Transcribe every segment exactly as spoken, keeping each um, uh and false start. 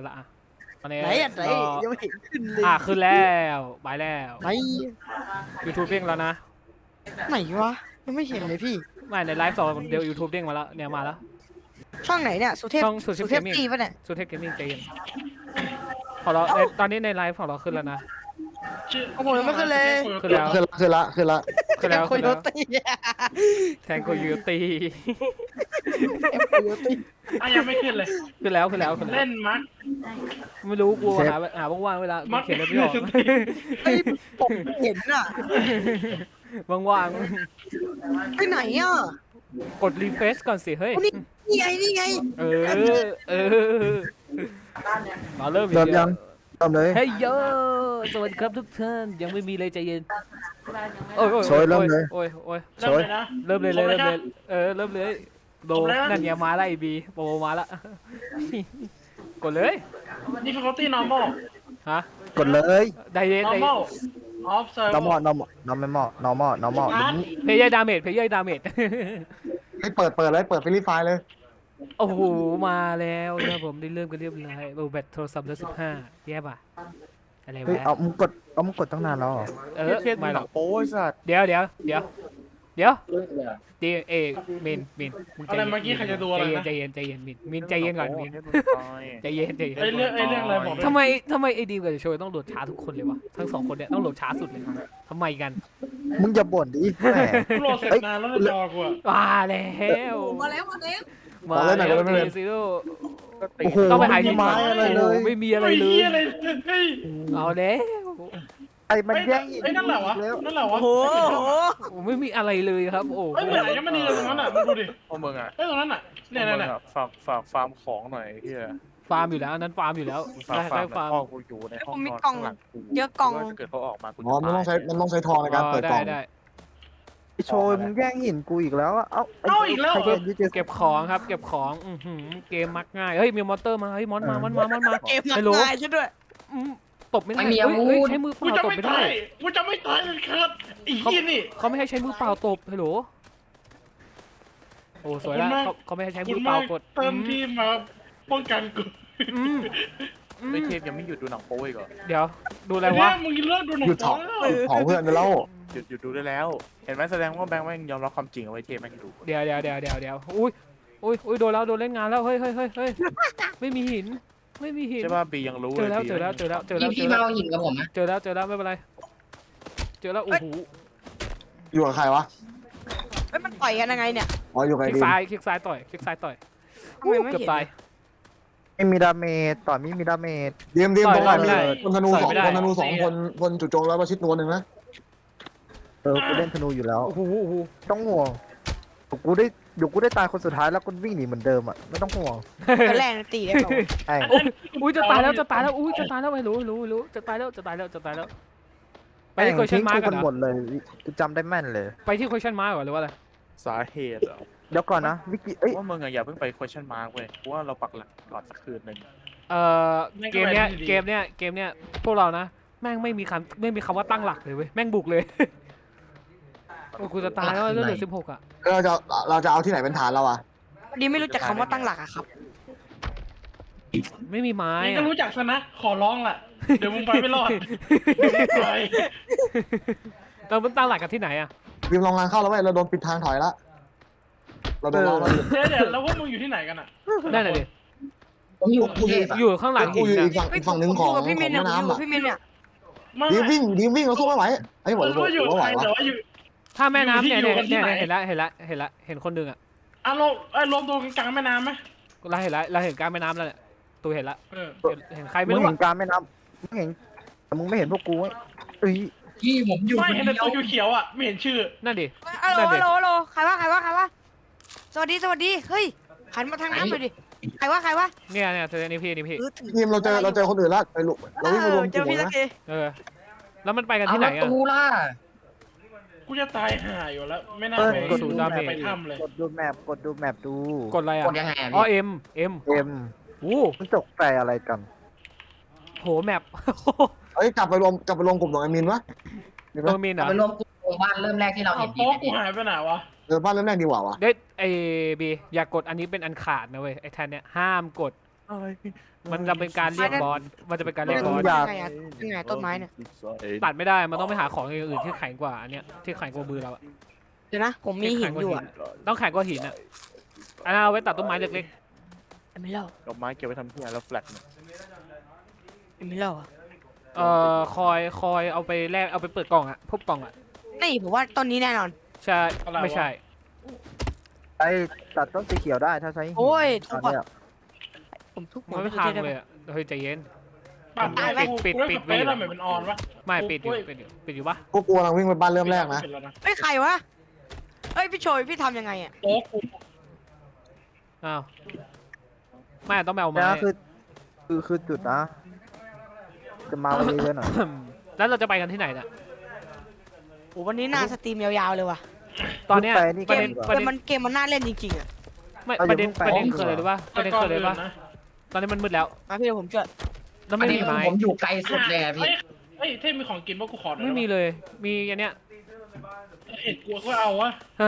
ละอ่ะตอนนี้ไหนอ่ะไหนยังไม่เห็นขึ้นเลยอ่ะขึ้นแล้วไปแล้วไหน YouTube เด้งแล้วนะไหนวะยังไม่เห็นเลยพี่ไม่ในไลฟ์สดเดี๋ยว YouTube เด้งมาแล้วเนี่ยมาแล้วช่องไหนเนี่ยสุเทพช่องสุเทพเทพ Gaming จีป่ะเนี่ยสุเทพเกมมิ่งใจเย็นของเราในตอนนี้ในไลฟ์ของเราขึ้นแล้วนะโอ้โหยังไม่ขึ้นเลยขึ้นแล้วคือละคือละคือละขึ้นแล้วโคขึ้นโยแล้วตี้แทงโคโยตีโคโยตี้อ่ะยังไม่ขึ้นเลยขึ้นแล้วขึ้นแล้วขึ้นแล้วเล่นมักไม่รู้กูหาหาว่างๆเวลากูเขียนอะไรไม่ออกเฮ้ยผมเห็นอ่ะว่างไปไหนอ่ะๆกดรีเฟรชก่อนสิเฮ้ยโอ้นี่นี่ไงนี่ไงเออเออมาเริ่มเริ่มยังเริ่มเลยเฮ้ยโยสวัสดีครับทุกท่านยังไม่มีเลยใจเย็นโอ้ยโอ้ยโชยเริ่มเลยโอ้ยโอ้ยเริ่มเลยนะเริ่มเลยเลยผมเริ่มนะเลยเออเริ่มเลยโดผมแล้วนั่นไงมาแล้วไอบีโปรมาละกดเลย difficulty normal ฮะกดเลยไดเย็นได normal off server นอมอ normal normal normal normal เพย์เยอร์ดาเมจเพย์เยอร์ดาเมจให้เปิดเปิดเลยเปิดฟิลิปไฟล์เลยโอ้โหมาแล้วนะผมได้เริ่มกันเรียบร้อยโอ้แบตโทรศัพท์เหลือสิบห้าแย่ป่ะอะไรเฮ้ยวะเอามึงกดเอามึงกดตั้งนานแล้วเหรอเออไม่หรอกโอ้ยสัตว์เดี๋ยวเดี๋ยวเดี๋ยวเดี๋ยวดีเอมินมินมึงใจอะไรเย็นเมื่อกี้ใครจะดูอะไรนะใจเย็นใจเย็นใจเย็นมินมินใจเย็นก่อนมินใจเย็นใจเย็นไอเรื่องไอเรื่องอะไรบอกด้วยทำไมทำไมไอ้ดีมกับโชยต้องโหลดช้าทุกคนเลยวะทั้งสองคนเนี่ยต้องโหลดช้าสุดเลยทำไมกันมึงอย่าบ่นดิแหมกูโหลดเสร็จนานแล้วในจอกูอะมาแล้วมาแล้วมาแล้วมาแล้วซีโร่โอ้โหต้องไปหาหินไม้อะไรเลยไม่มีอะไรไม่เลมียอะไรเฮ้ยเอาแล้วไอ้มันแย่งหินเฮ้ยนั่นแหละวะแล้วนั่นแหละวะโอ้โหโอ้ไม่มีอะไรเลยครับโอ้เฮ้ยเหมือนยังไม่ดีเลยตรงนั้นอ่ะมึงดูดิพวกมึงอ่ะเฮ้ยตรงนั้นอ่ะเนี่ยพวเนี่ยกมึเนี่ยงอะฝากฝากฟาร์มของหน่อยไอ้เฮียฟาร์มอยู่แล้วอันนั้นฟาร์มอยู่แล้วมึงฝากได้ฟาร์ได้ฟาร์มมพ่อกูอยู่ในห้องนอนข้างหลังกูเยอะกล่องว่าถ้าเกิดเขาออกมากูอ๋อมันต้องใช้มันต้องใช้ทองในการเปิดกล่องได้ไอ้โชยมึงแย่งหินกูอีกแล้วอะเอ้าเอ้าอีกแล้วใครเหรอจะยึดเจอเก็บของครับเก็บของอือหือเกมมักง่ายเฮ้ยมีมอนเตอร์มาเฮ้ยมอนมามอนมามอนมาเกมหนัฮักลโหลง่ายใช่ด้วยอืมตบไม่ได้ไม่มีอาวุธเฮ้ยเฮ้ยใช้มือเปกูล่าจะตบไม่ไม่ได้ตายกูจะไม่ตายเลยครับไอ้ยี่นี่เขาไม่ให้ใช้มือเปล่าตบฮัลโหลโอ้สวยแล้วเขาเขาไม่ให้ใช้มือเปล่ากดเติมทีมมาป้องกันกูอืมอืมไม่เทพยังไม่หยุดดูหนังโป๊อีกเหรอเดี๋ยวดูอะไรไอ้วะเนี่ยมึงเลิกดูหนังหยุดโป๊เผาแล้วหยุดเผาเพื่อนไปแล้วหยุดหยุดดูได้แล้ว เห็นไหมแสดงว่าแบงค์แม่งยอมรับความจริงเอาไว้เทพแม่งดูเดี๋ยวเดี๋ยวเดี๋ยวเดี๋ยวเดี๋ยวอุ้ยอุ้ยอุ้ยโดนแล้วโดนเล่นงานแล้วเฮ้ยเฮ้ยเฮ้ยเฮ้ยไม่มีหินไม่มีหินใช่ป่ะบียังรู้เจเลอยแล้วบีเจอแล้วเจอแล้วเจอแล้วพี่เจพี่อมาแล้วเอาหินกับผมนะเจอแล้วเจอแล้วไม่เป็นไรเจอแล้วโอ้โหอยู่กับใครวะเฮ้ยมันต่อยกันยังไงเนี่ยอ๋ออยู่คกับลิไอ้กดีมซ้ายคลิกซ้ายต่อยคลิกซ้ายต่อยทำไมไม่เกือบเห็นตายไม่มีดาเมจต่อไม่มีดาเมจดีมดีมต่ตอรยงไม่ไหนได้คนธนูสองต่อยไม่ได้คนธนูสองคนคนจู่โจมแล้วประชิดตัวหนึ่งนะเออกูเล่นธนูอยู่แล้วโอ้โหโอ้โหต้องห่วงเดี๋ยวกูได้เดี๋ยวกูได้ตายคนสุดท้ายแล้วกูวิ่งหนีเหมือนเดิมอ่ะไม่ต้องห่วงเป็นแรงตีได้เปล่าไอ้อุ้ยอุ้ยจะตายแล้วจะตายแล้วอุ้ยจะตายแล้วไม่รู้รู้รู้จะตายแล้วจะตายแล้วจะตายแล้วไปที่ question ทิ้ง mark กูกักัน นเหรหมอดเลยกูจำได้แม่นเลยไปที่ question mark ก่อนหรือว่าอะไรสาเหตุเหรอเดี๋ยวก่อนนะวิกิเอ้ยว่ามึงอะอย่าเพิ่งไป question mark เว้ยเพราะว่าเราปักหลักก่อนสักคืนหนึ่งเอ่อเกมเนี้ยเกมเนี้ยเกมเนี้ยพวกเรานะแม่งไม่มีคำไม่มีคำว่าตั้งหลักเลยเว้ยแม่งบุกเลยโอ้กูจะตายแล้วเลือดเหลือสิบหกอ่ะเราจะเราจะเอาที่ไหนเป็นฐานเราอ่ะพอดีไม่รู้จักคำว่าตั้งหลักอะครับไม่มีไม้มึงอะก็รู้จักซะนะ ขอร้องล่ะ เดี๋ยวมึงไปไม่รอดไปเราต้องตั้งหลักกันที่ไหนอ่ะดีมลองงานเข้าแล้วเว้ยเราโดนปิดทางถอยละเราโดนเราเราอยู่เดี๋ยวเดี๋ยวแล้วพวกมึงอยู่ที่ไหนกันอ่ะนั่นแหละดิผมอยู่กรุงเทพอะอยู่ข้างหลังกูหินอยู่นะอีกฝั่งเฮ้ยอีกฝั่งหนึ่งผมของอยู่กับพี่ขมิองนเนี่ยแม่ผมอยู่น้ำกับอ่ะพี่มินเนี่ยไม่ดีไม่วิ่งดีวิ่งเราสู้ไม่ไหวไอ้ยไหวรู้ว่าอยู่ไหวใครวะแต่ว่าอยู่ถ้าแม่น้ำเนี่ยอยู่เนี่ยที่เนี่ยไหนเห็นละเห็นละเห็นละเห็นคนหนึ่งอ่ะอ่ะลงไอ้ยรวมตัวกันกลางแม่น้ำไหมเราเห็นละเราเห็นกลางแม่น้ำแล้วเนี่ยตัวเห็นละเออเห็นเห็นใครมึไม่งรู้เห็อะนการแม่น้ำมึงเห็นแต่มึงไม่เห็นพวกกูเว้ยเอ้ยพี่ผมอยู่ไม่คนเห็นเดีแต่ยวตัวเขียวๆอ่ะไม่เห็นชื่อนั่นดิฮัลโหลนั่นดิฮัลโหลฮัลโหลใครวะใครวะใครวะสวัสดีสวัสดีเฮ้ยหันมาทางน้ำหน่อยดิใครวะใครวะเนี่ยเนี่ยเธอนี่พี่นี่พี่เออถือทีมเราเจอเราเจอคนอื่นละไปลุเราวิ่งไปรวมเจกอลุ่มพี่ตะนะกี้เออแล้วมันไปกันเอาที่ไหนแล้วอ่ะตูล่ะกูจะตายห่าอยู่แล้ว ไม่น่าเออไปกดศูดูนย์แมดาปเมจไปถ้ำเลยกดดูแมปกดดูแมปดูกดอะไรอ่ะกดยังไงอะอ๋อพี่เอ็มเอ็มเอ็มโอ้มันตกใจอะไรกันโหแมปเอ้ยกลับไปรวมกลับไปรวมกลุ่มของไอ้มินวะดีไหมตัวมินเหรอไปรวมกลุ่มหมู่บ้านเริ่มแรกที่เราเอาเห็นดีโต๊ะไหมกูหายไปไหนวะเออบ้านเริ่มแรกดีกว่าวะเด็ดไอบีอย่ากดอันนี้เป็นอันขาดนะเว้ยไอแทนเนี่ยห้ามกดอะไรมันจะเป็นการเรียกบอสมันจะเป็นการเรียกบอสยังไงอะยังไงต้นไม้เนี่ยตัดไม่ได้มันต้องไปหาของอย่างอื่นที่แข็งกว่าอันเนี้ยที่แข็งกว่ามือเราอะเดี๋ยวนะ ผมมีหินอยู่อ่ะต้องแข็งกว่าหินอะอันนั้นเอาไว้ตัดต้นไม้เล็กไม่เล่าดอกไม้เก็บไว้ทำที่ไหนแล้วแฟลตเนี่ยไม่เล่าอ่ะๆเอ่อคอยคอยเอาไปแลกเอาไปเปิดกล่องอะพบกล่องอะนี่ผมว่าต้นนี้แน่นอนใช่ไม่ใช่ไอ้ตัดต้นสีเขียวได้ถ้าใช้หินโอ้ยตทุอก นคนเนี้ยผมทุกมันไม่พังเลยอะเฮ้ยใจเย็นปั่นปิได้ดปิดกูปิดเล่นปิดสเปซแล้วเหมือนเป็นออนวะไม่ปิดอยู่ปิดอยู่ปิดอยู่ปะพวกกูกำลังวิ่งไปบ้านเริ่มแรกนะปิดแล้วนะเฮ้ยใครวะเฮ้ยพี่โชยพี่ทำยังไงอ่ะโอ้กูอ้าวไม่ต้องไปเอาไม้เนี่ยคือคือคือจุดนะ จะมาวันนี้เลยหน่อยแล้วเราจะไปกันที่ไหนเนี่ยโอ้วันนี้น่าสตรีมยาวๆเลยว่ะตอนเนี้ยไปนี่ปเกระเด็มนเกประมเด็นมันเกมมันน่าเล่นจริงๆอ่ะไม่ประเด็นประเด็นคืออะไรรู้ป่ะประเด็นคืออะไรป่ะนะตอนนี้มันมืดแล้วมาพี่เดี๋ยวผมช่วยแล้วอัไม่นมีนี้ไม้ผมอยู่ไกลสุดเลยอะพี่เฮ้ยเฮ้ยเท่มีของกินป่ะกูขอหน่อยไม่มีเลย มีอันเนี้ยเห็ดกูก็เอาวะ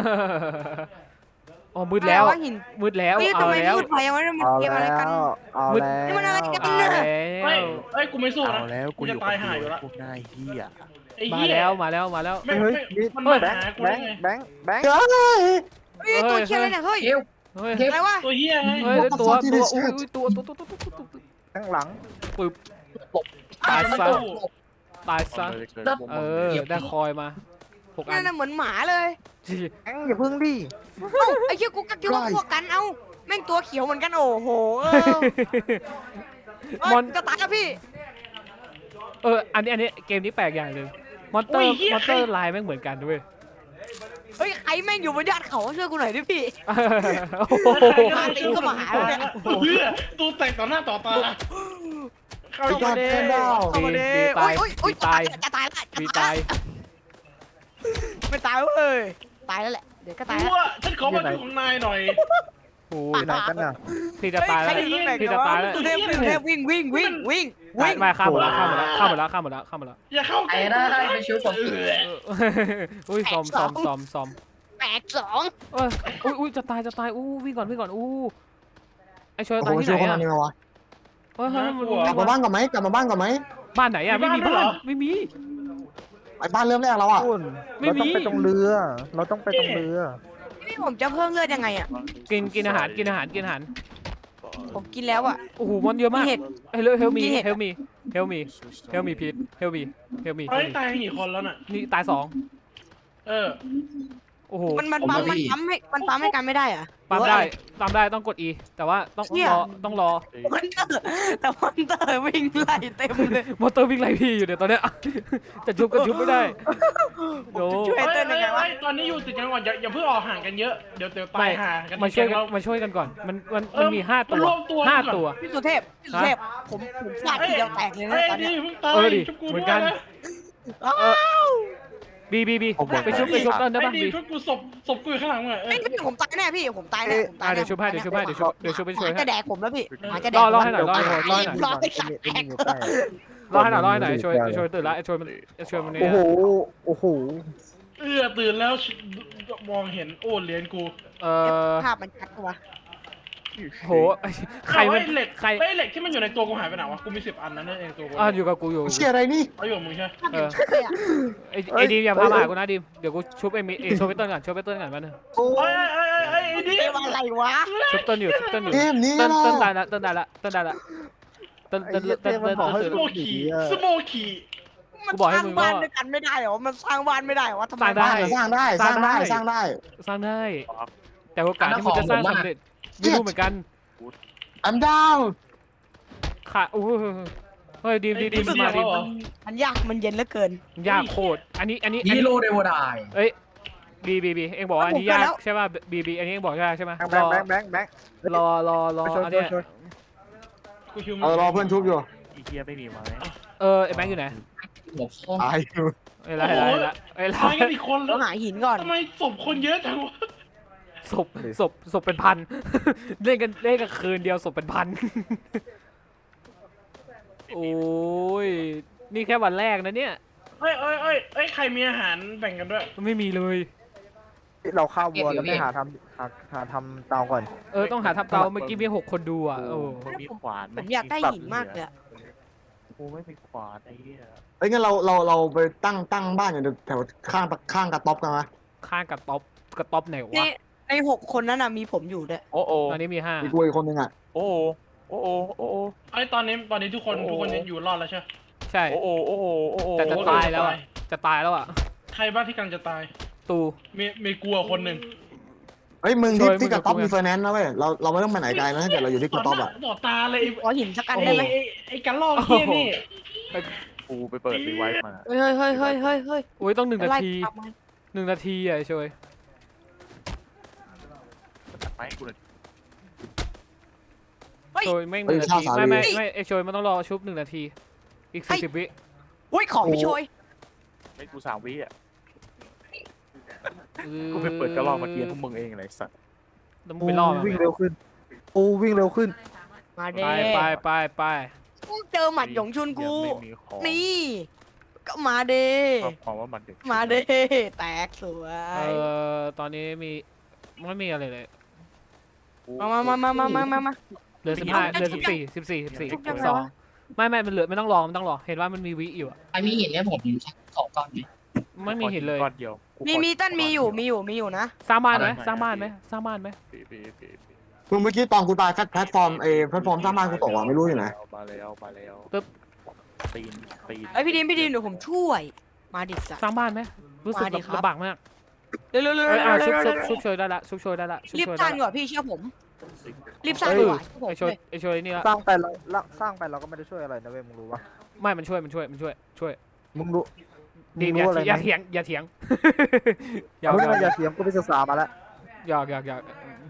อ๋อมืดแล้วอะไระหินมืดแล้วเฮ้ยเอาทำไมแล้วพูดไปวะมันเอาเกมอะไรแล้กันวเอามืดแล้วนี่มันอะไรกันเอาแล้วเฮ้ยเฮ้ยกูไม่สู้เอานะแล้วกูอยู่จะตายหายอยู่ละพวกนายเฮียไอ้มาเหี้ยแล้วมาแล้วมาแล้วไม่เฮ้ยไม่มีมันแบมาง หาค์กูแบได้งค์ไงแบงค์แบงค์เฮ้ยเฮ้ยตัวเคียอะไรเนี่ยเฮ้ยเอวเฮ้ยเฮ้ยอะไรวะตัวเหี้ยไงเฮ้ย What the ตัว fuck ตัว is อุ้ย this? อุ้ยตัวตัวตัวตัวตัวตัวตัวข้างหลังปึ๊บตายซะตายซะ เออ ได้คอยมาหกอันั่นนน่ะเหมือนหมาเลยแบงค์อย่าพึ่งดิเอ้าไอ้เหี้ยกูก็คิดว่าพวกกันเอ้าแม่งตัวเขียวเหมือนกันโอ้โหเออเอ้ยมอนจะตายแล้วพี่เออ อันนี้อันนี้เกมนี้แปลกอย่างหนึ่งมอนเตอร์มอนเตอร์ลายแม่งเหมือนกันด้วยเฮ้ยใครแม่งอยู่บนยอดเขาช่วยกูหน่อยดิพี่โอ้โหมาตีก็มาหาเนี่ยเพื่อตัวแตกต่อหน้าต่อตาเข้าสุดยอดมาเด้แค่ดาวเข้ามาดิบีตายโอ้ยโอ้ยบีตายจะตายละจะมีตาตาย ยไม่ตายเว้ยตายแล้วแหละเดี๋ยวก็ตายกูแล้วว่าฉันขอมาดูของนายหน่อยโอ้ไปไหนกันน่ะพี่จะตายใครแล้วอยู่ตรงไหนพี่กัจะนวะตายแล้วตุเทพตุเทพวิ่งวิ่งวิ่งวิ่งวิ่งไม่ข้ามหมดแล้วข้ามหมดแล้วข้ามหมดแล้วข้ามหมดแล้วข้ามหมดแล้วอย่าเข้าไอ้ได้ได้ไปชิวผมเอออุ้ยซอมซอมซอมซอมแปดสองเอ้ยอุ้ยอุ้ยจะตายจะตายอู้วิ่งก่อนวิ่งก่อนอู้ไอชอยโอ้ตายโหที่ช่วยไหคนนนั้อะนนี่มาวะเฮ้ยเฮ้ยมันกลับมาบ้านก่อนไหมกลับมาบ้านก่อนไหมบ้านไหนอะไม่มีบ้านไม่มีไปบ้านเริ่มแรกแล้วอ่ะคุณไม่เรามีต้องไปตรงเรือ เราต้องไปตรงเรือพี่ผมจะเพิ่มเลือดยังไงอ่ะกินกินอาหารกินอาหารกินอาหารผมกินแล้วอ่ะโอ้โหมันเยอะมากมีเห็ดเฮลเฮลมีมีเห็ดเฮลมีเฮลมีเฮลมีพีทเฮลมีเฮลมีเฮ้ยตายกี่คนแล้วน่ะนี่ตายสองเออโอ้โหมันมันปั๊มมันปั๊มให้มันปั๊มให้กันไม่ได้อ่ะปั๊มได้ปั๊มได้ต้องกด E แต่ว่าต้องเหี้ยรอต้องรอมันเตอร์แต่มันเตอร์วิ่งไล่เต็มเลยมอเตอร์วิ่งไล่พี่อยู่เดี๋ยวตอนเนี้ย จะชุบก็ชุบไม่ได้โดช่วยเฮ้ยเต้นยังไงวะเฮ้ยตอนนี้อยู่ติดกันก่อนอย่าอย่าเพิ่งออกห่างกันเยอะเดี๋ยวเดี๋ยวตายห่างกันมาช่วยกันเรามาช่วยกันก่อนมันมันเอมันอมีห้าตัวรวมตัวห้าก่อนตัวพี่สุเทพพี่สุเทพผมผมฟาดทีเดียวแตกเลยนะเฮ้ยตอนดีเนี้ยเพิ่งตายเออดิชุบกูเหมืด้อวนกัยนนะอ้าวบีบีบีไปชุบไปชุบต้นได้ไอ้ปะดีบีชุบกูศพศพกูอยู่ข้างหลังมึงอะเอเฮ้อยพี่ผมตายแน่พี่ผมตายแน่ผมตาอ่ะยแน่เดี๋ยวชุบให้เดี๋ยวชุบให้เดี๋ยวชุบเดี๋ยวชุบไปช่วยหมาให้จะแดกผมแล้วพี่หมาจะแดรกอรอให้หน่อยรอให้หน่อยรอให้หน่อยรอให้สัตว์แตกอยู่ใกล้รอให้หน่อยรอให้หน่อยช่วยช่วยตื่นละช่วยมันช่วยมันเนี่โอ้ยโห โอ้โหเออตื่นแล้วมองเห็นโอ้เหรียญกูเอ่อภาพมันชัดกว่าโหใครมันเอาไอ้เหล็กใครไอ้เหล็กที่มันอยู่ในตัวกูหายไปไหนวะกูมีสิบอันนั่นเองตัวกูอ่ะอยู่กับกูอยู่เชี่ยอะไรนี่เอาอยู่กับมึงใช่ไหมเออใช่อะไอ้ไอ้ดีมอย่าพามาหากูนะดีมเดี๋ยวกูชุบไอ้มิเอ้ชุบไอ้ต้นก่อนชุบไอ้ต้นก่อนมาหนึ่งโอ้เอ้ยเอ้ยเอ้ยเอ้ยไอ้ดิเกมอะไรวะชุบต้นอยู่ชุบต้นอยู่เกมนี้ต้นเหรอต้นตายละต้นตายละต้นตายละต้นไอ้ต้นเหี้ยต้นเต้ต้นมันบอกให้ต้นสโมคีสโมคีมันกูบอกสให้ร้างมึงบ้านว่าด้วยกันไม่ได้เหรอมันสร้างบ้านไม่ได้เหรอวะทำไมสร้างได้บ้านอะสร้างได้สร้างได้สร้างได้สร้างได้ แต่โอกาสที่มึงจะสร้างสำเร็จไม่รู้เหมือนกัน I'm down ค่ะโอ้โหเฮ้ยดีมดีมดีมมาดีมมันยากมันเย็นเหลือเกินยากโคตรอันนี้อันนี้อันฮีนี้โร่เดวดายเอ้ยบีบีบีเอ็งบอกว่าอันนี้ผมเกิดยากแล้วใช่ป่ะบีบีอันนี้เอ็งบอกยากใช่ไหมแบรง อค์แบงค์แบงค์แบงค์รอรอรอช่วยอันช่วเนี้ยยช่วยกูคิวเออรอเพื่อนชุบอยู่อีเฮียไม่มีไม้เออไอ้แบงค์อยู่ไหนหัวฟองตายอยู่เอ้ยละเอ้ยละเอ้ยละตายกันอีกคนแล้ต้วองหาหินก่อนทำไมศพคนเยอะจังวะศพศพศพเป็นพัน เล่นกันเล่นกันคืนเดียวศพเป็นพัน โอ้ยนี่แค่วันแรกนะเนี่ยเอ้ยเอ้ยเอ้ยเอ้ยใครมีอาหารแบ่งกันด้วยไม่มีเลยดเราฆ่าวัวแล้วไม่หาทำหาหาทำเตาก่อนเออต้องหาทับเตาเมื่อกี้มีหกคนดูอ่ะโอ้มึงมีขวานผมอยากได้หินมากเลยอะกูไม่มีขวานไอ้เหี้ยเอ้ยงั้นเราเราเราไปตั้งตั้งบ้านอยู่แถวข้างข้างกระต๊อบกันไหมข้างกับต๊อปกับต๊อปไหนในวะในหกคนนั้นน่ะมีผมอยู่ด้วยโอ้โอ้ตอนนี้มีห้ามีกูอีกคนนึงอ่ะโอ้โอ้โอ้โอ้โอ้ไอ้ตอนนี้ตอนนี้ทุกคนโอ้โหทุกคนยังอยู่รอดแล้วใช่ไหมใช่โอ้โอ้โอ้โอ้โอ้โอ้แต่จะตายแล้วอ่ะจะตายแล้วอ่ะใครบ้างที่กำลังจะตายตูมีมีกลัวคนหนึ่งเฮ้ยมึงช่ที่วยที่กระต๊อบมึงมีไฟแนนซ์นะเว้ยเราเราไม่ต้องไปไหนไกลนะถ้าเกิดเราอยู่ที่กระต๊อบอ่ะต่อตาเลยไอ้ขอหินสักอันไอ้ได้ไหมไอ้ไอ้กันลอกเฮี้ยนี่กูไปเปิดรีไวฟ์มาเฮ้ยเฮ้ยเฮ้ยเฮ้ยเฮ้ยเฮ้ยโอ้ยต้องหนึ่งนาไล่ทีกลับมาหนึ่งนาทีอ่ะช่วยจัดไม้กูเลยช่วยไม่งหนึ่งนาทีไม่ไม่ไม่ไอช่วยมันต้องรอชุบหนึ่งนาที อีกสี่สิบวิอุ้ยของพี่โชยไม่กูสามวิอ่ะกูไปเปิดกระรอกมาเกียร์พวกมึงเองเลยสัตว์ต้องปูไปล่อวิ่งเร็วขึ้นปูวิ่งเร็วขึ้นมาเด้ไปไปไปไปเจอหมัดหยงชุนกูยังไม่มีของนี่ ก็มาเด้ชอบความว่ามันเด็กมาเด้แตกสวเอย อตอนนี้มีไม่มีอะไรเลยมามามามามามามาเหลือสิบห้าเหลือสิบสี่สิบสี่สิบสี่ชุบยังไงสองวะไม่ไม่มันเหลือไม่ต้องรอมันต้องรอเห็นว่ามันมีวิอยู่อะไอ้มีหินเนี่ยผมขอก่อนดิไม่มีเห็นเลยก้อนเดียวกูมีขอมีต้นมีอยู่มีอยู่มีอยู่นะสร้างบ้านไหมอะไรสร้างบ้านไหมสร้างบ้านไหมปีปีปีปีมึงเมื่อกี้ตอนกูตายแพลตฟอร์มเอแพลตฟอร์มสร้างบ้านกูตกอ่ะไม่รู้อยู่ไหนมาแล้วมาแล้วตึ๊บตีนตีนไอยพี่ดิมพี่ดิมเดี๋ยวผมช่วย มาดิสัตสร้างบ้านไหมรู้สึกมาดิครับลำบากมากเร็วเร็วเร็วเอ้ยอ่ะเร็ชุวบเร็วชุบชุบช่วยได้ละชุบช่วยได้ละชุบรีบช่วยสได้ร้างดีละกว่าพี่เชื่อผม รีบสร้างเอดีอกว่าผมไอช่วยไอช่วยนี่ละสร้างไปเราละสร้างไปเราก็ไม่ได้ช่วยอะไรนะเว้ยมึงรู้ปะไม่มันช่วยมันช่วยมันช่วยช่วยมึงรู้ดีมึงอย่ารู้อะไรอย่าไหมเถียงอย่าเถียงอย่ามึงอย่าไม่อย่าเถียงกูไปศึกษามาแล้วอยากอยากอยาก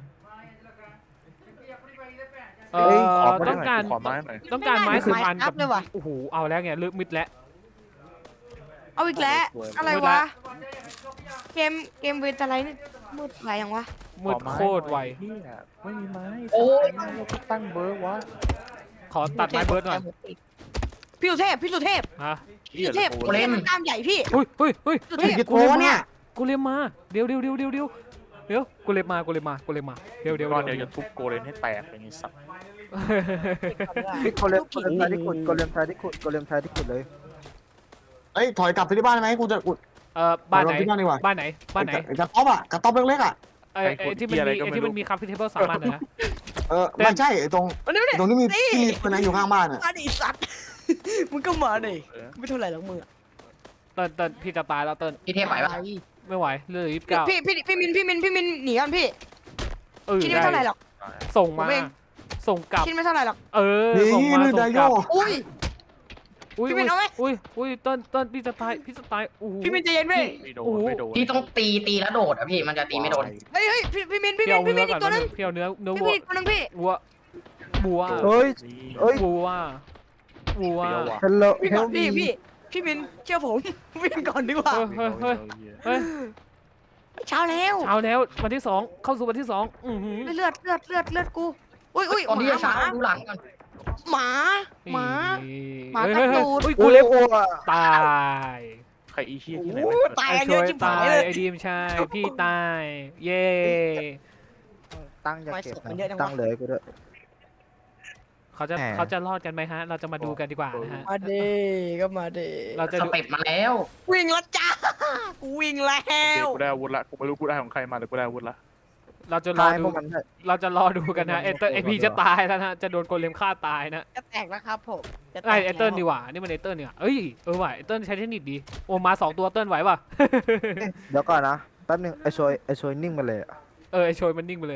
เอเฮ้ยอขอมาต้องการขอไม้หน่อยต้องการไม้ไม่สิบได้อันไม้ทักับบเลยว่ะโอ้โหเอาแล้วไงลึกมิดแล้วเอาอีกแล้ว อะไรมืดละวะ เกมเกมเวทอะไรนี่มืดอะไรยังวะมืดโคตรไวเหี้ยไม่มีไม้โอ้ยสัตว์ไม้ที่ตั้งเบอร์วะขอตัดไม้เบิร์ดหน่อยพี่สุเทพพี่สุเทพฮะพี่สุเทพโอ้พี่สุเทพมันกล้ามใหญ่พี่อุ้ยเฮ้ยเฮ้ยสุเทพกี่โกเนี่ยกูเรียมมาเดี๋ยวเดี๋ยวเดี๋ยวเดี๋ยวเดี๋ยวเดี๋ยวกูเรียมมากูเรียมมากูเรียมมาเดี๋ยวเดี๋ยวก้อนเดี๋เดียยว วจะทุบโกเลนให้แตกอย่างนี้สัตว์พี่โกเลมโกเลมชายที่ขุดโกเลมชายที่ขุดโกเลมชายที่ขุดเลยเอ้ยถอยกลับไปที่บ้านไหมกูจะกูเออบ้านไหนเอาที่บ้านดีกว่าบ้านไหนบ้านไหนกระต๊อบอ่ะกระต๊อบเล็กๆอ่ะไอ้ไอ้ที่มันมีไอ้ที่มันมีคัพที่เทเบิลสามอันนะเออไม่ใช่ไอ้ตรงมาดิมาดิตรงที่มีที่มีคนนั้นอยู่ข้างบ้านอ่ะมาดิสัตว์ มึงก็มาดิเออไม่เท่าไหร่หรอกมึงอะเติ้ลเติ้ลพี่จะตายแล้วเติ้ลพี่เทพไปปะไม่ไหวเหลือยี่สิบเก้าพี่พี่พี่มินพี่มินพี่มินหนีกันพี่เออคิดไม่เท่าไหร่หรอกส่งมาผมเองส่งกลับคิดไม่เท่าไหร่หรอกเออนี่ส่งมาลือส่ดาง โยกลับอุ้ยอุ้ยพี่มินเอาไหมอุ้ยอุ้ยเติ้ลเติ้ลพี่จะตายพี่จะตายโอ้โหพี่มินใจเย็นพี่ไม่โดโอ้นโหไม่โดนพี่ต้องตีตีแล้วโดดอ่ะพี่มันจะตีไม่โดนเฮ้ยเฮ้ยพี่พี่มินพี่พี่มินเอาพี่มิเนื้อนอีก่อก นตัวนึงพี่เอาเนื้อเนื้อพี่วัวมินอีกตัวนึงพี่วัววัวเฮ้ย เอ้ยวัววัวฮัลโหลพี่เฮก่อลนพี่พี่พี่มินเชื่อผม วิ่งก่อนดีกว่าเฮ้ยเฮ้ยเฮ้ยเฮ้ยเช้าแล้วเช้าแล้ววันที่สองเข้าสู่วันที่สองอือหือเลือดเลือดเลือดเลือดกูอุ้ยอุ้ยก่อนที่จะหช้ามาดูหลังก่อนหมาหมาหมาเฮ้ยกัดเฮ้ยตูดเฮ้ยกูกูเล็เล็บบ อ่ะตายใครอีเชี่ยที่ไหนโอ้วะตายไอ้กันเยช่วอะยชิบตาหายยเลยไอ้ดีมใช่พี่ตายเย้ตั้งอย่าเก็บทำไมศพมันนะเยอะจังวะตั้งเลยกูด้วยเขาจะแหมเขาจะรอดกันไหมฮะ เราจะมาดูกันดีกว่านะฮะมาเด้ก็มาเด้เราจะสดูเต็ปมาแล้ววิ่งแล้วจ้ากูวิ่งแล้โอเคว กูได้อาวุธละกูไม่รู้กูได้ของใครมาแต่กูได้อาวุธละเราจะรอตายดูพวกมันได้เราจะรอดูกันนะเอเตอร์เอพีจะตายแล้วนะจะโดนโกเลมฆ่าตายนะจะแตกแล้วครับผมจะแตไอก เอแล้วเตอร์ดีกว่านี่มันเอเตอร์เนี่ยเอ้ยเออว่ะเอเตอร์ใช้เทคนิคดีโอ้มาสองตัวเติ้ลไหวป่ะเดี๋ยวก่อนนะแป๊บนึงไอชอยไอชอยนิ่งมาเลยอะเออไอโชยมันนิ่งไปเลย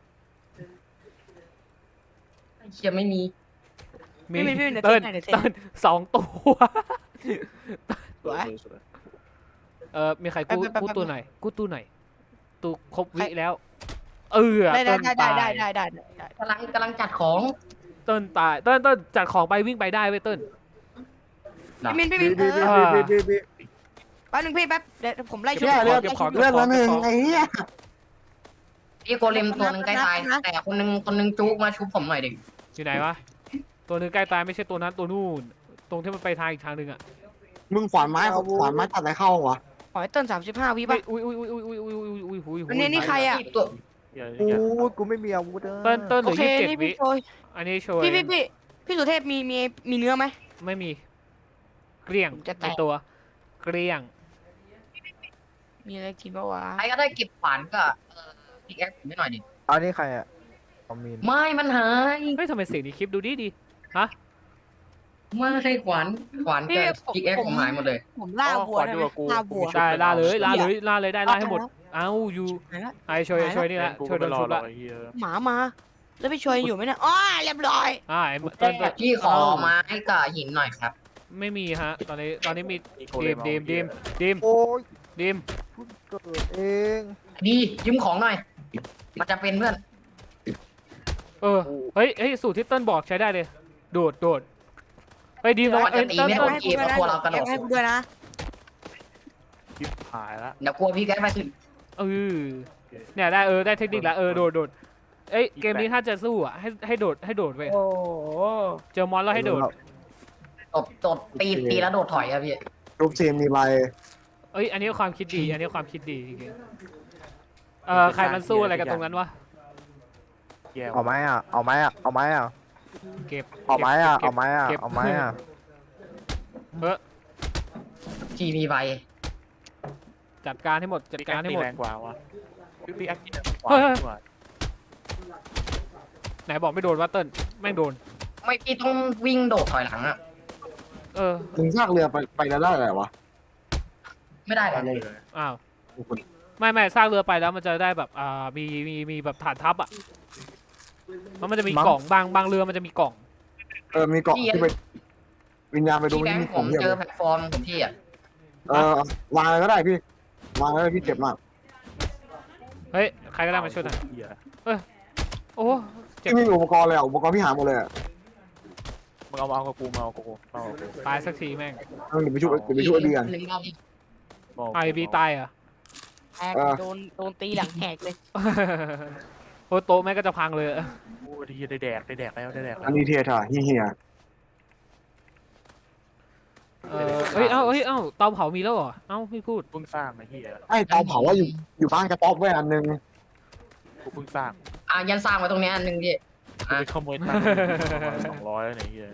เชียไม่มีมีพี่มินพี่มินเดี๋ยวเติ้ลเซ็นให้เดี๋ยวเซ็นเติ้ลสองตัวสวยสวยเออมีใครกู้แป๊บแป๊บกู้แป๊บตัวไหนกู้ตัวไหนตัวครบวิแล้ว เออได้เติ้ลได้ตายได้ได้ได้ได้ได้กำลังกำลังจัดของเติ้ลตายเติ้ลเติ้ลจัดของไปวิ่งไปได้เว้ยเติ้ลพี่มินพี่มิบีนเอบีอบีบีบีบีแป๊บนึงพี่แป๊บเดี๋ยวผมไล่ชุดแย่เลือดเก็บของเลือดละหนึ่งไอ้เหี้ยพี่โกเลมตัวหนึงใกล้ตาย แต่คนหนึงคนหนึงจุกมาชุบผมหน่อยดิอยู่ไหนวะตัวหนึงใกล้ตายไม่ใช่ตัวนั้นตัวนู่น ตรงที่มันไปทางอีกทางหนึ่งอะมึงขวานไม้ขวานไม้ตัดอะไรเข้าวะขอให้เติ้ลสามสิบห้าวิเฮ้ป่ะยอุ้ยอุ้ยอุ้ยอุ้ยอุ้ยอุ้ยอุ้ยอุ้ยอุ้ยอันนี้นี่ใครอะที่ตัวเหี้ยโอ้เหี้ยยกูไม่มีอาวุธอะเติ้ลเติ้ลเหโอลือเคยี่สิบเจ็ดนี่วิพี่โชยอันนี้โชว์พี่พี่พี่พี่สุเทพมีมีมีเนื้อไหมไม่มี เกลี้ยงผมจะแตะในตัว เกลี้ยงมีอะไรกินบ้างวะใครก็ได้เก็บขวานก็เออพิกแอคผมไม่หน่อยดิอันนี้ใครอะคอมมินไม่มันหายเฮ้ยทำไมเสียงในคลิปดูดีดีฮะไม่ให้ขวานขวานกับพิกแอคผมหายหมดเลยผมล่าวัวได้ไหมล่าวัวได้ล่าเลยล่าเลยล่าเลยได้ล่าให้หมด เอ้าอยู่หายละไอช่วยช่วยนี่แหละกูช่วยโดไม่นรอชุบหรอละกไอ้เหี้ยหมามา แล้วพี่โชยอยู่ไหมเนี่ยอ๋อเรียบร้อยอ่าไอ้เติ้ลเติ้ลพี่ขอไม้กับหินหน่อยครับไม่มีฮะ ตอนนี้ตอนนี้มีอีโกดีเลมดีมดีมดีมโอ้ยดีมเพิ่งเกิดเองดียืมของหน่อย มันจะเป็นเพื่อนเออเฮ้ยเฮ้ยสูตรที่เติ้ลบอกใช้ได้เลย โดดโดดเฮ้ยดีมลองมันเอ้จะยตีเติ้ลไม่เติ้ลโดน เกมแล้วกลัวเรากระโดดให้กูด้วยนะชิบหายละเดี๋ยวกลัวพี่แกไปถึงเออเนี่ยได้เออได้เทคนิคแล้วเออโดดโดดเอ้ยเกมนี้ถ้าจะสู้อ่ะให้ให้โดดให้โดดเว้ยโอ้เจอมอนแล้วให้โดดตบตบตีตีแล้วโดดถอยครับพี่รูปเซมมีใบเอ้ยอันนี้ความคิดดีอันนี้ความคิดดีจริงๆเออใครมันสู้อะไรกันตรงนั้นวะแย่เอาไหมอะเอาไหมอะเอาไหมอะเก็บเอาไหมอะก็บเอาไหมอะก็บเอาไหมอะเออพี่มีใบจัดการให้หมดจัดพี่การให้หมดแรงกว่าวะพี่พี่แอคตีแรงกว่าเฮ้ยเฮ้ยดีกว่าไหนบอกไม่โดนวัตเติ้ลแม่งโดนไม่พี่ต้องวิ่งโดดถอยหลังอะเออถึงซากเรือไปไปแล้วได้อะไรวะไม่ได้เลยอ้าวไม่ไม่สร้างเรือไปแล้วมันจะได้แบบอ่ามีมีมีแบบฐานทัพอ่ะมันมันจะมีกล่องบางบางเรือมันจะมีกล่องเออมีเกาะที่ไปวิญญาณไปดูพี่แบงมีค์ขผองมเยอะเจอแพลตฟอร์มของพี่อะเออวางอะไรก็ได้พี่วางอะไรพี่เจ็บมากเฮ้ยใครก็ได้มาช่วยหน่อยเหี้ยโอ้เจ็บพี่ไม่มีอุปกรณ์เลยอ่ะอุปกรณ์พี่หาหมดเลยอ่ะมึงเอามาเอากับกูมาเอากับกูมาเอากับกูตายสักทีแม่งเออเดี๋ยวไปช่วยเดี๋ยวไปช่วยไอ้เบียนหนึ่งรอบดิมาเาไอกับกูบีตายเหรอ่ะแหกโดนโดนตีหลังแหกเลยโอ้โต๊ะแม่งก็จะพังเลยโอ้ยได้ได้แดกได้แดกแล้วได้แดกแล้อัวนนี้เทียร์เฮียเฮียเออเฮ้ยเอ้าเฮ้ยเอ้าเตาเผามีแล้วเหรอเอ้าไม่พูดเพิ่งสร้างไอ้เหี้ยไอ้เตาเผาว่าอยู่อยู่บ้านกระต๊อบไว้อันนึงกูเพิ่งสร้างอ่ะยันสร้างไว้ตรงเนี้ยอันหนึ่งพี่กูไปขโมยตังค์สองร้อยแล้วเนี่ยไอ้เหี้ย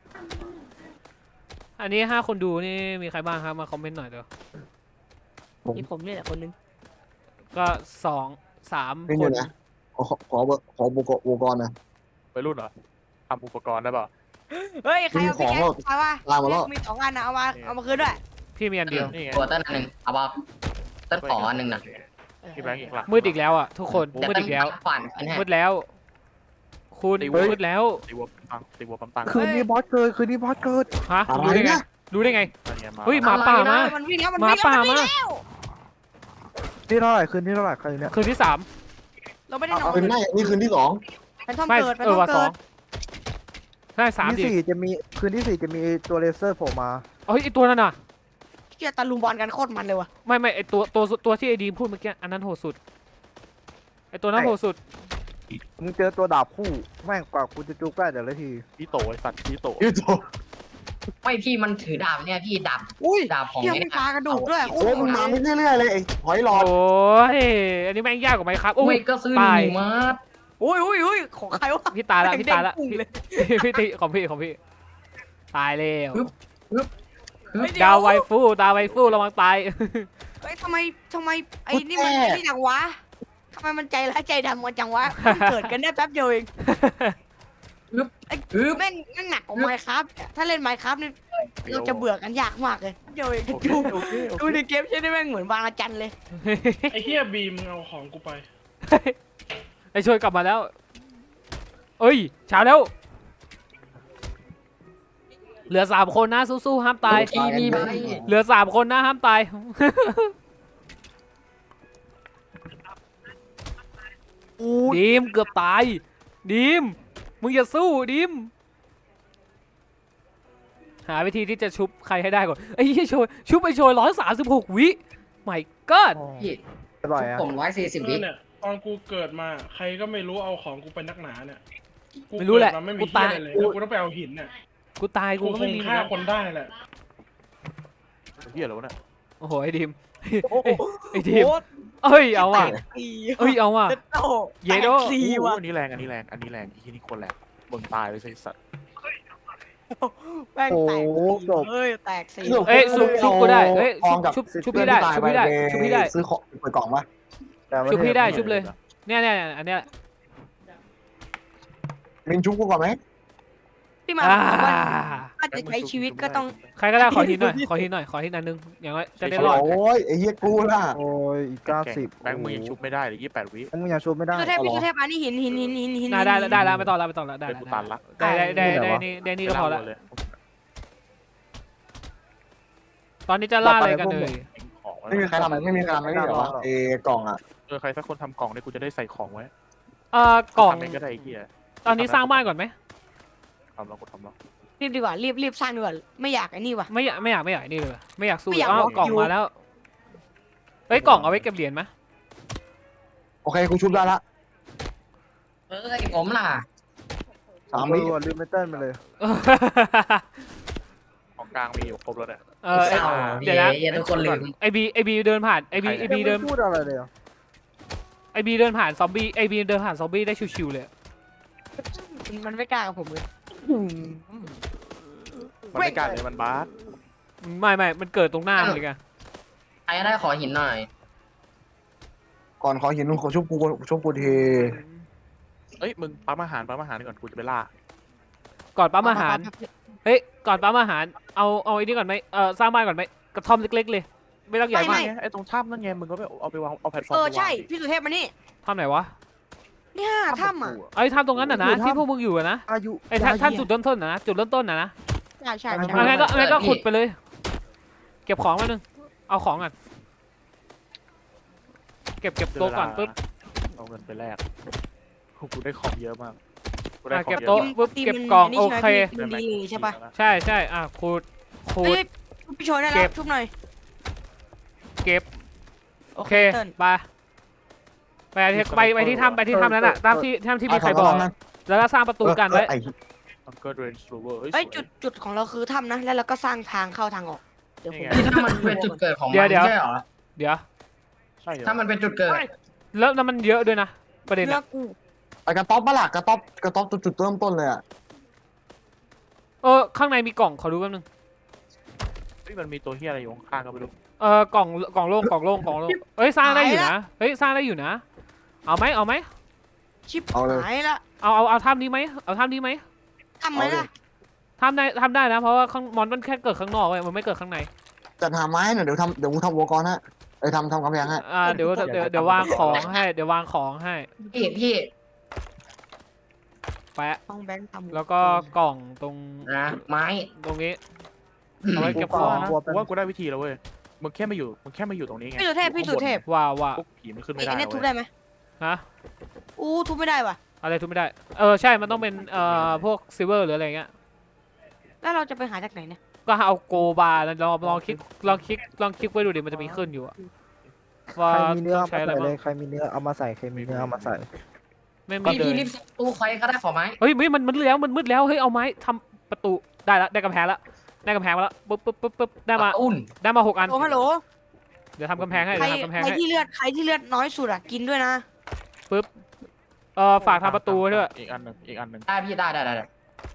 อันนี้ห้าคนดูนี่มีใครบ้างครับมาคอมเมนต์หน่อยเดี๋ยวมีผมนี่แหละคนนึงก็สองสามนี่คเนี่นยนะขอขอขอขออุปกรณ์อุปกรณ์นะไปรุ่นเหรอทำอุปกรณ์ได้ป่ะเฮ้ยใครเอามีของพี่แกแล้วเอาวะลามาแล้วมีสองอันนะเอามาเอามาคืนด้วยพี่มีอันเดียวนี่ไงตัวเต้นอันหนึ่งเอาบอกเต้นขออันหนึ่งนะพี่แบงค์อีกหลักมืดอีกแล้วอ่ะทุกคนเดี๋ยวมืดเต้นอีกแล้วฝันอันนี้มืดแล้ว คุณตีวัวมืดแล้วตีวัวปังตีวัวปังปังคืนนี้บอสเกิดคืนนี้บอสเกิดฮะอะไรรู้ได้ไงนะรู้ได้ไงอันเนี้ยมาเฮ้ยหมาป่ามามันวิ่งแล้วมันหมาวิ่งแล้วป่ามันวิ่งมาแล้วนี่เท่าไหร่คืนนี้เท่าไหร่คืนนี้คืนที่สามเราไม่ได้นอเอานเป็นไม่นี่คืนที่สองแพนทอมไม่เกิดแพนเอทออมว่าสอเกิงดใช่สามที่ดิสี่จะมีคืนที่สี่จะมีตัวเลเซอร์โผล่มาเฮ้ยไอตัวนั้นน่ะเกียตะลุมบอลกันโคตรมันเลยว่ะไม่ไม่ไอตัวตัวตัวที่ไอดีมพูดเมื่อกี้อันนั้นโหดสุดไอตัวนั้นโหดสุดมึงเจอตัวดาบคู่แม่งกว่ากูจะจุกได้แต่ละทีพี่โตไอ้สัตว์พี่โตพี่โตไม่พี่มันถือดาบเนี่ยพี่ดาบอุ้ยดาบของเกียเนี่มียปลากระดูกด้วยโคโอ้ตยรมึงโหมาดไม่เรื่อยๆเลยไอ้หอยหลอดโอ้ยอันนี้แม่งยากกว่าไหมครับโอ้ไม่ยก็ซื้อตายหนึ่งมาอุ้ยอุ้ยอุ้ยของใครวะพี่ตายละพี่ตายละแม่งเด้งพุ่งเลยพี่พี่ติของพี่ของพี่ตายแล้วเฮ้ยเดี๋ยดาวไวฟูดาวไวฟูระวังตายเฮ้ยทำไมทำไมไอ้นี่มันนี่จังวะทำไมมันใจร้ายใจดำกันจังวะเพิ่งเกิดกันได้แป๊บเดียวเองไอ้แม่งแม่งหนักกว่าไมค์ครับถ้าเล่นไมค์ครับนี่เราจะเบื่อกันยากมากเลยเดียวเองโอเคดูโอเคโอดูเคในเกมใช่ไหมแม่งเหมือนบางอาจันเลยไอ้เฮียบีมมึงเอาของกูไปไอช่วยกลับมาแล้ว เอ้ยเช้าแล้ว เหลือสามคนนะสู้ๆห้ามตายพี่มีใบเหลือสามคนนะห้ามตาย ดีมเกือบตายดีมมึงอย่าสู้ดีมหาวิธีที่จะชุบใครให้ได้ก่อนไอ้ยี่โชยชุบไอโชยร้อยสามสิบหกวิไม่ก็พี่อร่อยอ่ะผมร้อยสี่สิบคืวิอเนี่ยตอนกูเกิดมาใครก็ไม่รู้เอาของกูไปนักหนาเนี่ยกูไม่รู้แหละเกิดมาไม่มีกูเฮีตายยอะไรเลยแล้วกูต้องไปเอาหินเนี่ยกูตายกูกูก็คไม่งมีฆ่าคนได้แหละเหี้ยแล้วะเนี่ยโอ้โหไอ้ดีมไอ้ทีมเอ้ยเอาว่ะสี่เอ้ยเอาว่ะเจ็ดโตเยโดแตกสี่โอ้โหว่ะอันนี้แรงอันนี้แรงอันนี้แรงอีที่นี่คนแรงบนตายเลยไอ้สัตว์แม่งแตกโอ้โหสี่จบเฮ้ยแตกสี่เอ้ยชุบชุบกูได้เอ้ยทองกับชุบชุบพี่ได้ชุบพี่ได้ชุบพี่ได้ซื้อของเปิดกล่องปะแต่ว่าชุบพี่ได้เทพชุบเลย เนี่ยเนี่ยอันเนี้ยมินชุบกูก่อนไหมพี่มาอ่าบอกว่าถ้าจะใช้ชีวิตก็ต้องใครก็ได้ขอทีหน่อยขอทีหน่อยขอทีนันนึงอย่างน้อยจะได้รอดโอ้ยไอ้เหี้ยกูล่ะโอ้ยอีกเก้าสิบแบงค์มึงยังชุบไม่ได้เลยยี่สิบแปดวิแบงค์มึงยังชุบไม่ได้พี่สุเทพพี่สุเทพอันนี้หินหินหินหินหินได้ได้ได้แล้วไม่ต้องแล้วไม่ต้องแล้วได้เป็นกูตันละได้ได้ได้ได้นี่ได้นี่ก็พอละเลยตอนนี้จะล่าอะไรกันเลยของไม่มีใครทำไม่มีใครทำไม่ได้เหรอวะเอกล่องอ่ะเออใครสักคนทำกล่องเนี่ยกูจะได้ใส่ของไว้เอ่อกล่องทำเองก็ได้ไอ้เหี้ยตอนนี้สร้างบ้านก่อนไหมทำแล้วกูทำแล้วรีบดีกว่ารีบรีบสร้างดีกว่าไม่อยากไอ้นี่ว่ะไม่อยากไม่อยากไม่อยากนี่เลยไม่อยากสู้ไม่อยากอ้าวบอกกล่องอยู่มาแล้วเฮ้ยกล่องเอาไว้เก็บเหรียญไหมโอเคกูชุบได้ละเอ้ยผมล่ะสามเอวิอลืมไม่เต้นไปเลยของกลางมีอยู่ครบแล้วเนี่ยเออเอ้ยเศร้าเดี๋ยวนะเย้ทุกคนลืมไอบีไอบีเดินผ่านไอบีไอบียังเดินไม่พูดอะไรเลยเหรอไอบีเดินผ่านซอมบี้ไอบีเดินผ่านซอมบี้ได้ชิวๆเลยมันไม่กล้ากับผมเลยมันไม่กล้าเลยมันบาสไม่ไม่มันเกิดตรงหน้ามันเลยไงใครได้ขอหินหน่อยก่อนขอหินขอชุบกูชุบกูทีเอ้ยมึงปั๊มอาหารปั๊มอาหารก่อนกูจะไปล่าก่อนปั๊มอาหารเฮ้ยก่อนปั๊มอาหารเอาเอาไอ้นี่ก่อนไหมเออสร้างบ้านก่อนไหมกระท่อมเล็กๆเลยไม่ต้องใหญ่มากไอ้ตรงถ้ำนั่นไงมึงก็ไปเอาไปวางเอาแพลตฟอร์มเออไปวางใช่พี่สุเทพมานี่ท่อมไหนวะเนี่ยถ้ำอ่ะไอ้ท่อมตรงนั้นน่ะนะที่พวกมึงอยู่อะนะอายุไอ้ท่านท่านจุดเริ่มต้นนะจุดเริ่มต้นนะนะใช่ใช่เอาใช่งั้นก็งั้นก็ขุดไปเลย เก็บของมาหนึ่งเอาของก่อนเก็บเก็บโต๊ะก่อนปุ๊บเอาเงินไปแลกกูได้ของเยอะมากกูได้อ่ะของเก็บเยอะโต๊ะมากปุ๊บทีมเก็บมันกล่องนนี้โอใช่ไหมเคทีมดีเลยใช่ปะใช่ใช่อ่ะขุดขุเฮ้ดยพี่โชว์ได้เก็แล้วบชุบหน่อยเก็บโอโอเคเคเติ้ลไปไปที่ไปไปที่ถ้ำไปที่ถ้ำนั้นอ่ะตามที่ถ้ำที่มีใครบอกแล้วก็สร้างประตูกันไว้ไอ้มันก็เรนส์โรเวอร์เอ้ยจุดจุดของเราคือถ้ำนะ แล้วเราก็สร้างทางเข้าทางออกเดี๋ยวผมที่ถ้ามันเป็นจุดเกิดของมันไม่ใช่เหรอเดี๋ยวใช่เหรอถ้ามันเป็นจุดเกิดแล้วแล้วมันเยอะด้วยนะประเด็นเนื้ออะกูไอ้กระต๊อบปะล่ะกระต๊อบกระต๊อบจุดจุดเริ่มต้นเลยอ่ะเออข้างในมีกล่องขอดูแป๊บนึงเฮ้ยมันมีตัวเฮียอะไรอยู่ข้างๆก็ไม่รู้เออกล่องกล่องโล่งกล่องโล่งกล่องโล่งเฮ้ยสร้างได้อยู่นะเฮ้ยสร้างได้อยู่นะเอาไหมเอาไหมชิบหายละเอาเอาเอาถ้ำนี้ไหมเอาถ้ำนี้ไหมทำไหมล่ะทำได้ทำได้นะเพราะว่าข้างมอนมันแค่เกิดข้างนอกเว้ยมันไม่เกิดข้างในจัดหาไม้หน่อยเดี๋ยวทำเดี๋ยวกูทำวัวกรให้ไอ้ยทำทำกำแพงให้อ่าเดี๋ยวเดี๋ยวเดี๋ยววางของให้เดี๋ยววางของให้พี่พี่แปะต้องแบงค์ทำแล้วก็กล่องตรงนะไม้ตรงนี้เอาไว้เก็บกูของว่านะกูว่ากูได้วิธีแล้วเว้ยมึงแค่มาอยู่มึงแค่มาอยู่ตรงนี้ไงพี่สุเทพพี่สุเทพว่าว่าพวกผีมันขึ้นไอ้ไม่ได้เนี่ยทุบเว้ได้ยไหมฮะอู้ทุบไม่ได้ว่ะอะไรทุบไม่ได้เออใช่มันต้องเป็นเอ่อพวกซิลเวอร์หรืออะไรเงี้ยแล้วเราจะไปหาจากไหนเนี่ยก็เอาโกบาร์ลองลองคลิกลองคลิกลองคลิกไว้ดูดิมันจะมีขึ้นอยู่อะว่าใครมีเนื้อต้อเอางใช้มาอะไรใส่เลบ้างยใครมีเนื้อเอามาใส่ใครมีเนื้อเอามาใส่ไม่มีพี่เลพี่ยรีบตู้ใครก็ได้ขอไม้เฮ้ยไม่มันมันมืดแล้วมันมืดแล้วเฮ้ยเอาไม้ทำประตูได้ละได้กำแพงละได้กำแพงมาแล้วปุ๊บปุ๊บปุ๊บปุ๊บได้มาอุ่นได้มาหกอันโอ้ฮัลโหลเดี๋ยวทำกำแพงให้ใครเดี๋ยวทำกำแพงใครให้ที่เลือดใครที่เลือดน้อยสุดอ่ะกินด้วยนะเออฝากทำประตูไว้ด้วยอีกอันหนึ่งอีกอันหนึ่งได้พี่ได้ได้ได้ได้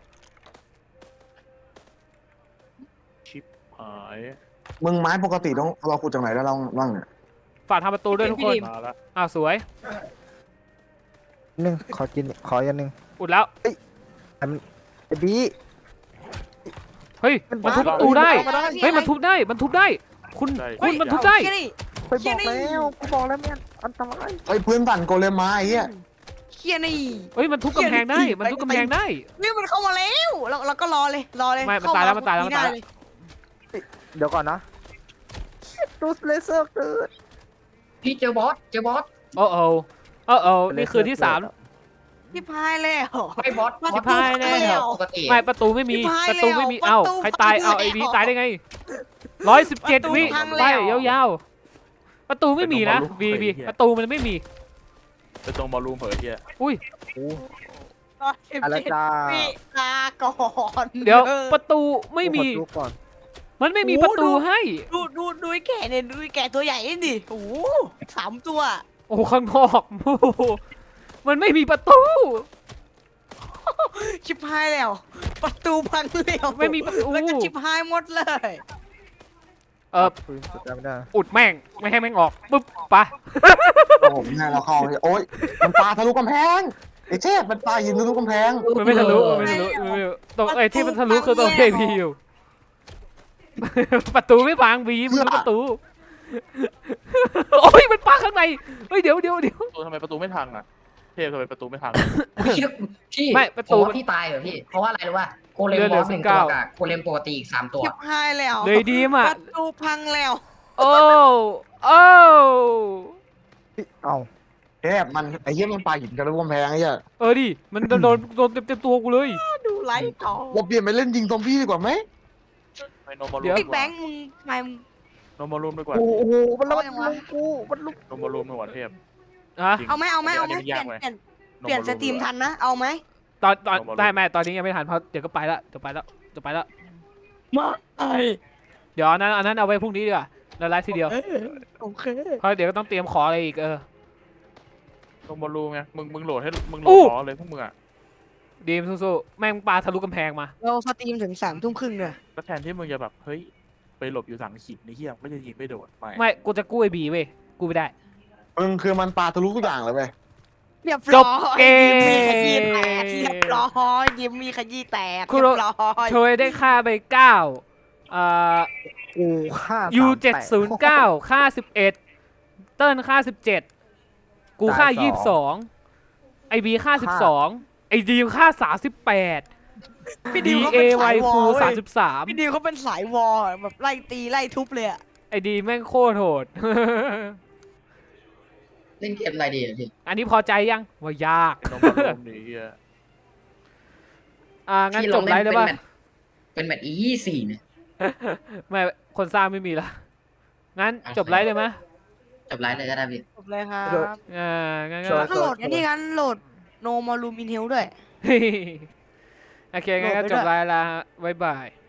ชิปหายมึงไม้ปกติต้องเราขุดจากไหนได้เราบ้างเนี่ยฝากทำประตูด้วยทุกคนมาแล้วอ่าสวยหนึ่งขอกินขออย่างหนึ่งอุดแล้วไอ้บีเฮ้ยมันทุบประตูได้เฮ้ยมันทุบได้มันทุบได้ คุณคุณมันทุบได้เชี่ยนี่ไปบอกแล้วกูบอกแล้วแม่นอันตรายไอ้ยพื้นสั่นโกเลมมาไอ้เหี้ยเชี่ยนี่เฮ้ยมันทุบกำแพงได้มันทุบกำแพงได้นี่มันเข้ามาแล้วเราเราก็รอเลยรอเลยไม่มันเข้ตายแล้วมันตายแล้วมันตายแล้วได้เเดี๋ยวก่อนนะดูสเลเซอร์เกิดพี่เจอบอสเจอบอสโอ้โอ้โอ้โอ้นี่คือที่สามพี่พายเลยเหรอไม่บอสบอสพายแล้วปกติไม่ประตูไม่มีพี่พายประตูไม่มีแล้วเอ้าประตูใครตายพังเอาไอ้แล้วบีตายได้ไงร้อยสิบเจ็ดประตูวิพังไปแล้วยาวๆประตูไม่มีนะบีบีประตูมันไม่มีเป็นตรงบอลลูมเผยเฮียอุ้ยร้อยสิบอะไรเจ็ดจ้าวิลาก่อนเดี๋ยวประตูไม่มีกูขอดูก่อนมันไม่มีประตูให้ดูดูดูไอ้แก่เนี่ยดูไอ้แก่ตัวใหญ่นี่ดิโอ้โหสามตัวโอ้โหข้างนอกโอ้โหมันไม่มีประตูชิบหายแล้ว ประตูพังแล้วไม่มีประตูแล้วก็ชิบหายหมดเลยเออปืนสแตมป์ได้อุดแม่งไม่ให้แม่งออกปุ๊บไปโอ้โหแม่เราเข้าเลยโอ๊ยมันปาทะลุกำแพงไอ้เทพมันปาหินทะลุกำแพงมันไม่ทะลุมันไม่ทะลุมันไม่ทะลุตรงไอ้ที่มันทะลุคือตรงเอพีอยู่ ประตูไม่พังบีมันประตู โอ้ยมันปาข้างในเฮ้ยเดี๋ยวเดี๋ยวเดี๋ยวประตูทำไมประตูไม่พังอ่ะเทพทำไมประตูไม่พังพี่พี่ไม่ประตูผมว่าพี่ตายเหรอพี่เพราะว่าอะไรรู้ป่ะโกเลมเลือดเหลืบออสหนึ่งสิบเก้าตัวกับโกเลมปกติอีกสามตัวชิบหายแล้วเลยดีมอ่ะประตูพังแล้วโอ้โอ้เอ้าเทพมันไอ้เหี้ยมันปาหินทะลุกำแพงไอ้เหี้ยเออดิมันโดนโดนโดนเต็มเต็มตัวกูเลยดูไลฟ์ต่อเราเปลี่ยนไปเล่นยิงซอมบี้ดีกว่าไหมไปโนมารูเดี๋ยวมไอ้ดีกแบว่างค์มึงทำไมมึงโนมารูมดีกว่าโอ้โหมันแล้วเอามันยังวะลุกกูมันลุกโนมารูมดีกว่าเทพอะจริงเอาไหมเอาไหมเอาไหมอันนี้เปลี่ยยาน กไหมเปลี่ยนโนเปลี่ยนมาสรูมตรีมทันนะเอาไหมตอนตอนลงมาลงได้แม่ตอนนี้ยังไม่ทันเพราะเดี๋ยวก็ไปละเดี๋ยวไปละเดี๋ยวไปละมาไอเดี๋ยวอันนั้นอันนั้นเอาไว้พรุ่งนี้ดีกว่าเราไลฟ์ทีเดียวโอเคเพราะเดี๋ยวก็ต้องเตรียมของอะไรอีกเออโนมารูมไงมึงมึงโหลดให้มึงโหลอู้ดล้อเลยพวกมึงอ่ะดีมสู้ๆแม่งปาทะลุกำแพงมาเราสตรีมถึงสามทุ่มครึ่งเนี่ยก็แทนที่มึงจะแบบเฮ้ยไปหลบอยู่สังหินในเฮียก็จะยิงไม่โดนไม่ไม่กูจะกู้ไอ้บีเว้ยกูไม่ได้มึงคือมันปาทะลุทุกอย่างเลยเว้ยเรียบจร้บอยเกมยิ้มมีขยี้แตกเรียบร้อยยิ้มมีขยี้แตกคุเรีโรยบร้อยโชยได้ค่าไปเก้าอ่ากูฆ่ายูสามเจ็ดแปศูนย์เก้าค่าสิบเอ็ดเติ้ลค่าสิบเจ็ดกูค่ายี่สิบสองไอบีค่าสิบสองไอดีมค่าสามสิบแปดพี่ดีดิวเขาเอเป็นไวสายวอฟูลสามเว้ยสิบสามพี่ดิวเขาเป็นสายวอลแบบไล่ตีไล่ทุบเลยอะไอดีแม่งโคตรโหดเล่นเกมอะไรดีอะพี่อันนี้พอใจยังว่ายากโนมารูมนี่เฮียอ่างั้นพี่จลอบ งไลเล่นฟ์ได้เป็นป่ะแมตช์เป็นแมตช์อียี่สี่เนี่ยไม่คนสร้างไม่มีละงั้นจบไลฟ์เลยไหมจบไลฟ์เลยก็ได้พี่จบเลยครับอ่างั้นสก็วยก็โหลดอันนี้กันโหลดโนมาลูมินเฮลด้วยโอเคงั้นก็โหลดไปจด้บวยไลฟ์ละฮะบ๊ายบาย